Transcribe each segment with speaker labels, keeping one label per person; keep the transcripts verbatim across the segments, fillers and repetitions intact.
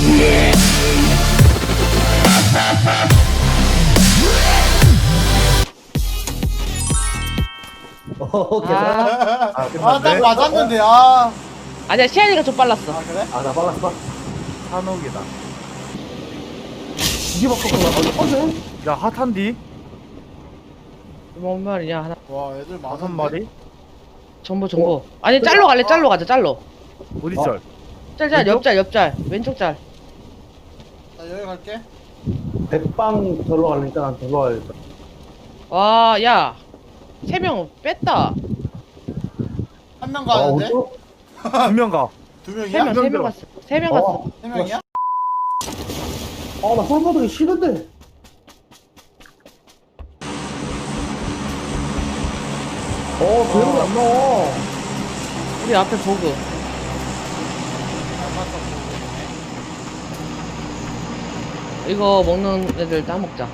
Speaker 1: 어, 괜찮아?
Speaker 2: 아,
Speaker 3: 아,
Speaker 2: 끝났네.
Speaker 3: 딱 맞았는데, 아.
Speaker 4: 아니야, 시안이가 좀 빨랐어.
Speaker 3: 아, 그래?
Speaker 1: 아, 나 빨랐어.
Speaker 2: 산옥이다.
Speaker 1: 이게 바꿨구나. 어, 어제?
Speaker 2: 야, 핫한디?
Speaker 4: 뭔 말이냐, 하나.
Speaker 3: 와, 애들 많은데?
Speaker 2: 다섯 마리?
Speaker 4: 정보, 정보. 아니, 짤로 갈래, 짤로 가자, 짤로.
Speaker 2: 어디
Speaker 1: 어?
Speaker 2: 짤?
Speaker 4: 짤, 짤,
Speaker 2: 왼쪽?
Speaker 4: 옆짤, 옆짤. 왼쪽 짤.
Speaker 3: 나 여기 갈게.
Speaker 1: 백방 절로 가려니까 난 절로 가야겠다.
Speaker 4: 와, 야. 세 명 뺐다.
Speaker 3: 한 명
Speaker 1: 아,
Speaker 3: 가는데?
Speaker 1: 어쩌?
Speaker 2: 두명 가.
Speaker 3: 두
Speaker 4: 세
Speaker 3: 명이야?
Speaker 4: 명, 세 명
Speaker 2: 들어.
Speaker 4: 갔어. 세 명 갔어.
Speaker 1: 어,
Speaker 3: 세 명이야?
Speaker 1: 아, 나 솔바닥이 싫은데. 어, 배우가 안 나와.
Speaker 4: 우리 앞에 보그.
Speaker 3: 잘 봤어.
Speaker 4: 이거 먹는 애들 따먹자.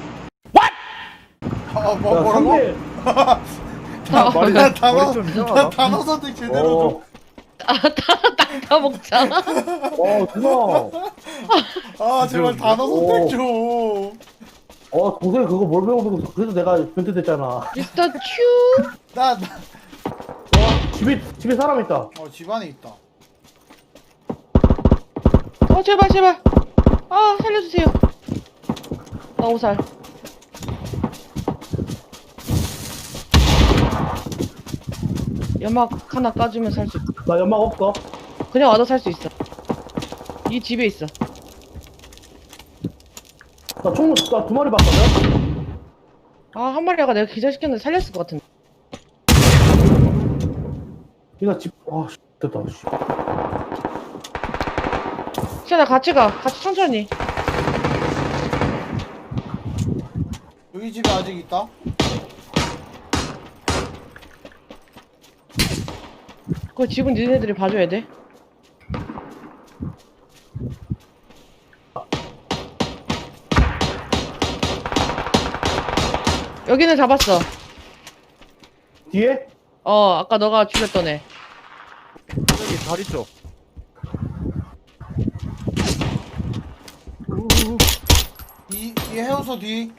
Speaker 3: 어, 뭐,
Speaker 1: 야,
Speaker 3: 뭐라고?
Speaker 1: 상대.
Speaker 2: 야, 머리,
Speaker 3: 나 단어,
Speaker 2: 머리 좀
Speaker 3: 나
Speaker 2: 이상하다.
Speaker 3: 단어 선택 제대로
Speaker 1: 어,
Speaker 4: 아, 따, 따먹자.
Speaker 1: 어, 누나.
Speaker 3: 좀. 아, 제발 단어 선택 좀.
Speaker 1: 어, 동생이 그거 뭘 배워보고 그래서 내가 변태됐잖아.
Speaker 4: 미스터 츄.
Speaker 3: 나, 나,
Speaker 1: 집에, 집에 사람 있다.
Speaker 3: 어, 집안에 있다.
Speaker 4: 어, 제발, 제발. 아, 살려주세요. 나 오살. 연막 하나 까주면 살 수 있어.
Speaker 1: 나 연막 없어.
Speaker 4: 그냥 와도 살 수 있어. 이 집에 있어.
Speaker 1: 나 총, 나 두 마리 봤거든?
Speaker 4: 아, 한 마리가 내가 기절시켰는데 살렸을 것 같은데.
Speaker 1: 니가 집, 아, 씨, 됐다, 씨.
Speaker 4: 시아나 같이 가. 같이 천천히.
Speaker 3: 여기 집에 아직 있다?
Speaker 4: 그 집은 니네들이 봐줘야 돼. 여기는 잡았어.
Speaker 1: 뒤에?
Speaker 4: 어, 아까 너가 죽였던 애.
Speaker 2: 여기 다리 쪽.
Speaker 3: 이, 이 해우소 뒤.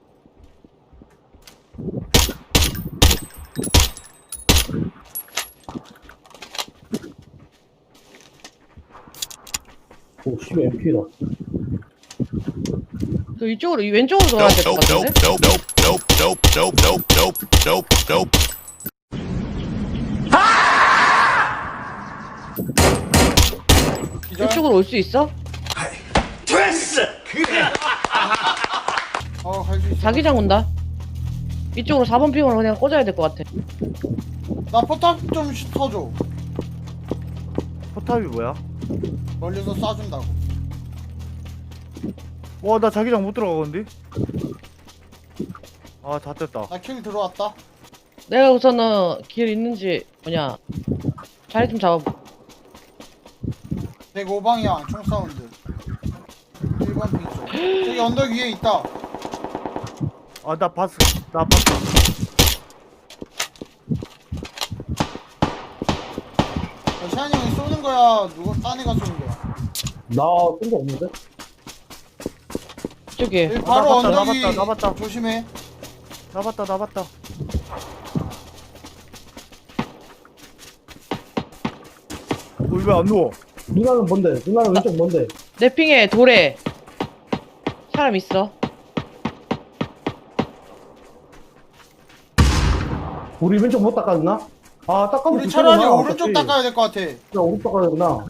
Speaker 1: 오, 씨, 엠피다.
Speaker 4: 그 이쪽으로, 이 왼쪽으로 돌아야 될 것 같은데?
Speaker 3: 기절?
Speaker 4: 이쪽으로 올 수 있어?
Speaker 3: 어, 갈 수 있어.
Speaker 4: 자기장 온다. 이쪽으로 사 번 핑으로 그냥 꽂아야 될 것 같아.
Speaker 3: 나 포탑 좀 시- 터줘.
Speaker 2: 포탑이 뭐야?
Speaker 3: 멀리서 쏴준다고.
Speaker 2: 와, 나 자기장 못 들어가건데? 아, 다 됐다.
Speaker 3: 나 킬 들어왔다.
Speaker 4: 내가 우선은 길 있는지, 뭐냐, 자리 좀 잡아보.
Speaker 3: 백오 방향 총 사운드. 일 번 핑 쪽. 저기 언덕 위에 있다.
Speaker 2: 아, 나 봤어. 나 봤어.
Speaker 3: 야, 샤니 형이 쏘는 거야? 누가 딴 애가 쏘는 거야?
Speaker 1: 나, 쏜거 없는데?
Speaker 4: 이쪽에.
Speaker 3: 여기
Speaker 2: 나
Speaker 3: 바로
Speaker 2: 봤다, 나
Speaker 3: 언덕이
Speaker 2: 봤다, 나 봤다.
Speaker 3: 조심해.
Speaker 2: 나 봤다, 나 봤다. 어, 왜 안 누워?
Speaker 1: 누나는 뭔데? 누나는 왼쪽 뭔데?
Speaker 4: 내 핑에 돌에 사람 있어.
Speaker 1: 우리 왼쪽 못 닦았나? 아, 닦아면
Speaker 3: 우리 차라리
Speaker 1: 좋겠구나,
Speaker 3: 오른쪽
Speaker 1: 어차피.
Speaker 3: 닦아야 될 것 같아.
Speaker 1: 야, 오른쪽 닦아야 되구나.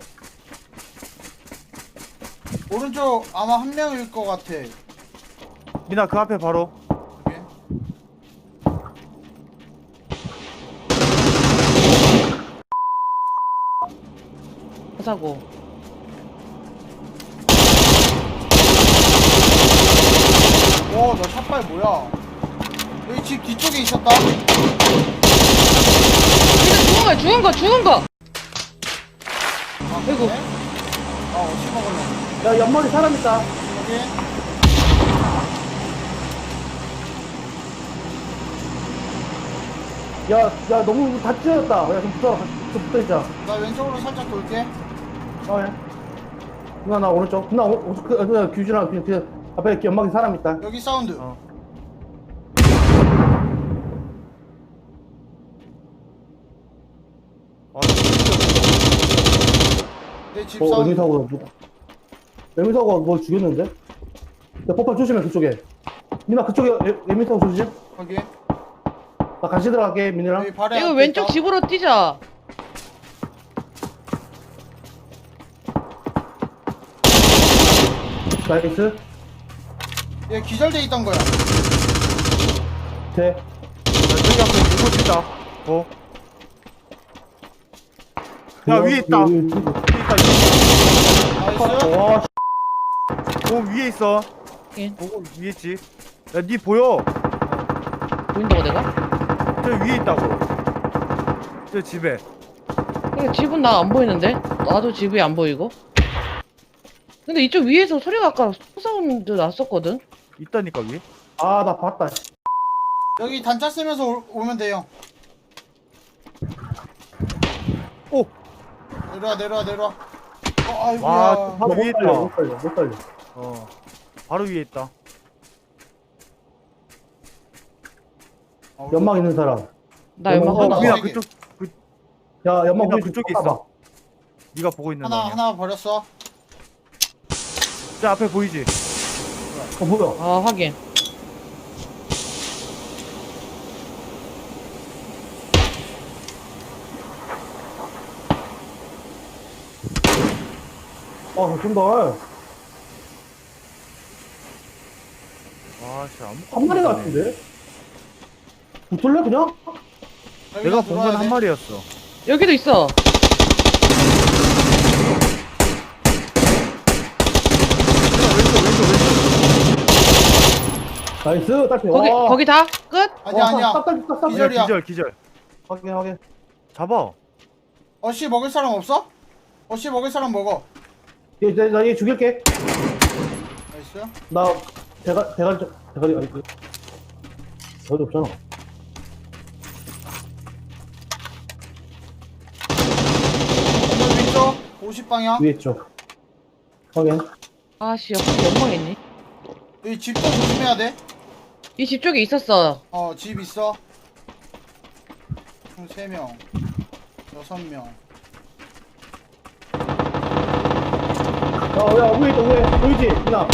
Speaker 3: 오른쪽 아마 한 명일 것 같아.
Speaker 2: 미나, 그 앞에 바로.
Speaker 3: 여기.
Speaker 4: 하자고.
Speaker 3: 와, 나 샷발 뭐야? 여기 집 뒤쪽에 있었다.
Speaker 4: 이거 죽은 거야, 죽은 거, 죽은 거!
Speaker 3: 아,
Speaker 4: 아이고.
Speaker 3: 그래? 아, 어찌 먹을래?
Speaker 1: 야, 옆머리 사람 있다.
Speaker 3: 여기.
Speaker 1: 야, 야, 너무 다 찢어졌다. 야, 좀 붙어라. 좀 붙어있자.
Speaker 3: 나 왼쪽으로 살짝 돌게.
Speaker 1: 어, 예. 누나 나 오른쪽. 누나 오, 오, 그, 누나 규준아 그, 그 앞에 연막에 사람 있다.
Speaker 3: 여기 사운드.
Speaker 2: 어. 아,
Speaker 3: 내 집
Speaker 1: 어
Speaker 3: 사운드.
Speaker 1: 외미사고가 누가? 외미사고가 뭐 죽였는데? 야 폭발 조심해 그쪽에. 민아 그쪽에 외- 외미사고 조심.
Speaker 3: 거기.
Speaker 1: 나 같이 들어갈게 민이랑.
Speaker 3: 여기 발에
Speaker 4: 이거
Speaker 3: 앞에
Speaker 4: 왼쪽
Speaker 3: 있다.
Speaker 4: 집으로 뛰자.
Speaker 1: 나이스.
Speaker 3: 얘 기절돼 있던 거야.
Speaker 1: 돼.
Speaker 2: 야, 저기 앞에 누구 있다. 어. 야, 위에 있다.
Speaker 1: 여기, 여기, 여기.
Speaker 2: 위에 있다.
Speaker 3: 나이스.
Speaker 1: 와 씨.
Speaker 2: 어, 위에 있어.
Speaker 4: 예.
Speaker 2: 보고 위에 있지. 야, 니 보여.
Speaker 4: 보인다고 내가?
Speaker 2: 저 위에 있다고. 저 집에.
Speaker 4: 근데 집은 나 안 보이는데? 나도 집이 안 보이고. 근데 이쪽 위에서 소리가 아까 소사운드 났었거든?
Speaker 2: 있다니까 위에.
Speaker 1: 아 나 봤다. 씨.
Speaker 3: 여기 단차 쓰면서 오, 오면 돼요.
Speaker 2: 오.
Speaker 3: 내려와 내려와 내려와. 어
Speaker 2: 와,
Speaker 3: 아이고야.
Speaker 2: 바로
Speaker 1: 못
Speaker 2: 위에
Speaker 1: 살려
Speaker 2: 있다.
Speaker 1: 못 살려 못 살려.
Speaker 2: 어. 바로 위에 있다.
Speaker 3: 어,
Speaker 1: 연막 있는 사람.
Speaker 4: 나 연막
Speaker 1: 어,
Speaker 4: 하나.
Speaker 3: 어,
Speaker 2: 위야
Speaker 3: 세 개.
Speaker 2: 그쪽. 그
Speaker 1: 야 연막
Speaker 2: 민아,
Speaker 1: 우리
Speaker 2: 그쪽에
Speaker 1: 좀
Speaker 2: 있어.
Speaker 1: 깎아봐.
Speaker 2: 네가 보고 있는
Speaker 3: 하나
Speaker 2: 방향.
Speaker 3: 하나 버렸어.
Speaker 2: 저 앞에 보이지?
Speaker 1: 어 뭐야?
Speaker 4: 아, 확인.
Speaker 1: 아 좀더
Speaker 2: 아, 씨 아무.
Speaker 1: 한 마리 같은데? 붙을래 그냥?
Speaker 2: 내가 본 건 한 마리였어.
Speaker 4: 여기도 있어.
Speaker 1: 나이스 딸피.
Speaker 4: 거기,
Speaker 1: 와.
Speaker 4: 거기 다? 끝?
Speaker 3: 아니야 아니야.
Speaker 1: 싹싹싹싹.
Speaker 3: 기절. 기절이야.
Speaker 2: 기절 기절.
Speaker 1: 확인 확인.
Speaker 2: 잡아.
Speaker 3: 어씨 먹을 사람 없어? 어씨 먹을 사람 먹어.
Speaker 1: 얘나얘 죽일게.
Speaker 3: 나이스.
Speaker 1: 나 대가 대가리 좀 대가리 아니 그 어디 없잖아.
Speaker 3: 오늘 왼쪽 오십 방향.
Speaker 1: 위에 있죠. 확인.
Speaker 4: 아씨, 옆에 연막 있니?
Speaker 3: 여기 집도 조심해야 돼.
Speaker 4: 이 집 쪽에 있었어.
Speaker 3: 어 집 있어. 총 세 명. 여섯 명.
Speaker 1: 야야 위에 있다 위에 보이지? 누나.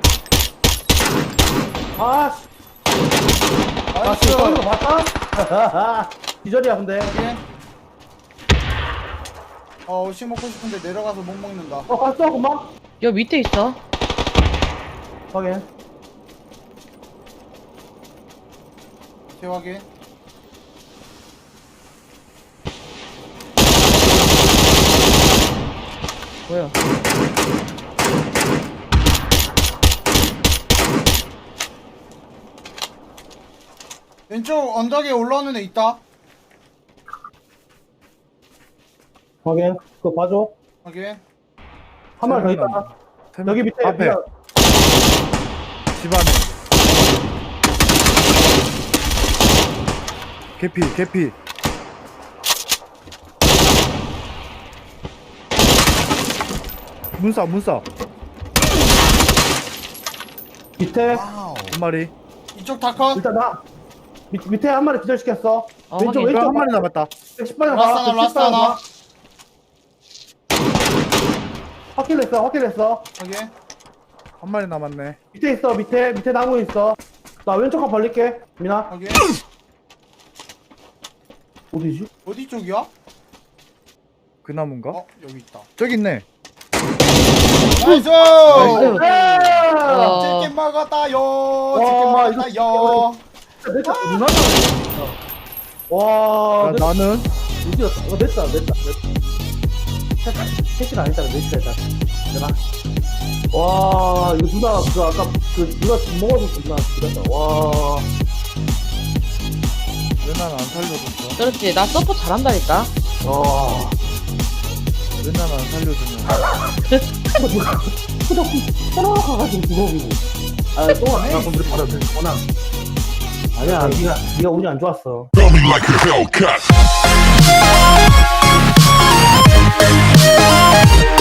Speaker 1: 아 씨. 아
Speaker 3: 나이스.
Speaker 1: 지금 떠는 거 봤다? 기절이야 근데.
Speaker 3: 확인. 어 오씨 먹고 싶은데 내려가서 못 먹는다.
Speaker 1: 어 봤어 금방?
Speaker 4: 여 밑에 있어.
Speaker 1: 확인.
Speaker 3: 제 확인.
Speaker 4: 뭐야?
Speaker 3: 왼쪽 언덕에 올라오는 애 있다.
Speaker 1: 확인. 그거 봐줘.
Speaker 3: 확인.
Speaker 1: 한 마리 더 있다.
Speaker 2: 세 명.
Speaker 1: 여기 밑에
Speaker 2: 앞에
Speaker 1: 누나.
Speaker 2: 집 안에. 개피 개피. 문싸 문싸
Speaker 1: 밑에
Speaker 3: 와우.
Speaker 2: 한 마리.
Speaker 3: 이쪽 다 컷.
Speaker 1: 일단 나 밑, 밑에 한 마리 기절시켰어.
Speaker 4: 어,
Speaker 1: 왼쪽
Speaker 4: 확인.
Speaker 1: 왼쪽
Speaker 2: 한 마리 남았다.
Speaker 1: 백십 방향
Speaker 3: 라스트
Speaker 1: 가.
Speaker 3: 하나,
Speaker 1: 백십
Speaker 3: 라스트
Speaker 1: 방향
Speaker 3: 하나.
Speaker 1: 가. 확킬했어 확킬했어.
Speaker 3: 확인.
Speaker 2: 한 마리 남았네.
Speaker 1: 밑에 있어 밑에 밑에 나무 있어. 나 왼쪽 한 벌릴게 민아.
Speaker 3: 확인.
Speaker 1: 어디지?
Speaker 3: 어디 쪽이야?
Speaker 2: 그 나무인가?
Speaker 3: 어 여기 있다.
Speaker 2: 저기 있네.
Speaker 3: 나이스.
Speaker 4: 나이스.
Speaker 1: 아!
Speaker 4: 어.
Speaker 3: 치킨 먹었다요.
Speaker 1: 와,
Speaker 3: 치킨
Speaker 1: 이거
Speaker 3: 먹었다요.
Speaker 1: 냈다 누나가 와
Speaker 2: 야,
Speaker 1: 냈-
Speaker 2: 나는
Speaker 1: 드디어 어 냈다 냈다 냈다 캐시는 아니잖아 냈다 일단 되나? 와 이거 누나 그 아까 그 누나 집 먹어서 누나 그랬다 와
Speaker 2: 왜 난 안 살려줬어?
Speaker 4: 그렇지. 나 서포 잘한다니까.
Speaker 1: 와.
Speaker 2: 왜 난 안 살려주냐?
Speaker 1: 그거 누가 그거 떠나가가지고 죽어버리고 아또 내가 건드려 버렸네 워낙 아니야 니가 니가 운이 안 좋았어
Speaker 5: Throw me like a Hellcat.